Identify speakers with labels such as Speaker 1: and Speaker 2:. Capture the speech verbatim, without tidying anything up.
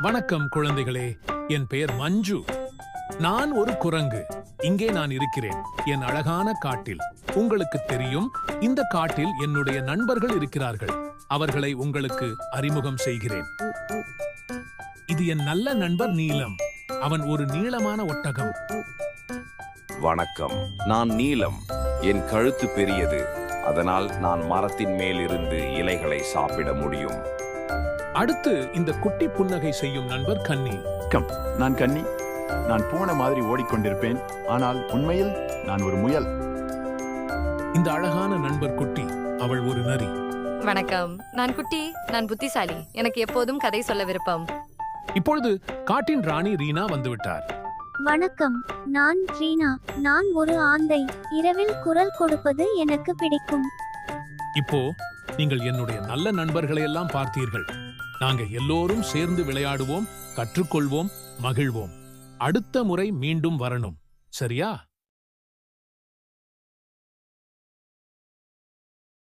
Speaker 1: வணக்கம் குழந்தைகளே, என் பெயர் மஞ்சு. நான் ஒரு குரங்கு. இங்கே நான் இருக்கிறேன், என் அழகான காட்டில். உங்களுக்கு தெரியும், இந்த காட்டில் என்னுடைய நண்பர்கள் இருக்கிறார்கள். அவர்களை உங்களுக்கு அறிமுகம் செய்கிறேன். இது என் நல்ல நண்பர் நீலம். அவன் ஒரு நீளமான ஒட்டகம்.
Speaker 2: வணக்கம், நான் நீலம். என் கழுத்து பெரியது, அதனால் நான் மரத்தின் மேலிருந்து இலைகளை சாப்பிட முடியும்.
Speaker 1: அடுத்து இந்த குட்டி புன்னகை செய்யும் நண்பர் கன்னி.
Speaker 3: கம் நான் கன்னி. நான் பூனை மாதிரி ஓடிக்கொண்டிருப்பேன், ஆனால் உண்மையில் நான் ஒரு முயல்.
Speaker 1: இந்த அழகான நண்பர் குட்டி, அவள் ஒரு நரி.
Speaker 4: வணக்கம், நான் குட்டி. நான் புத்திசாலி. எனக்கு எப்போதும் கதை சொல்ல விருப்பம்.
Speaker 1: இப்பொழுது காட்டின் ராணி ரீனா வந்துவிட்டார்.
Speaker 5: வணக்கம், நான் ரீனா. நான் ஒரு ஆந்தை. இரவில் குரல் கொடுப்பது எனக்கு பிடிக்கும்.
Speaker 1: இப்போ நீங்கள் என்னுடைய நல்ல நண்பர்களை எல்லாம் பார்த்தீர்கள். நாங்க எல்லோரும் சேர்ந்து விளையாடுவோம், கற்றுக்கொள்வோம், மகிழ்வோம். அடுத்த முறை மீண்டும் வரணும், சரியா?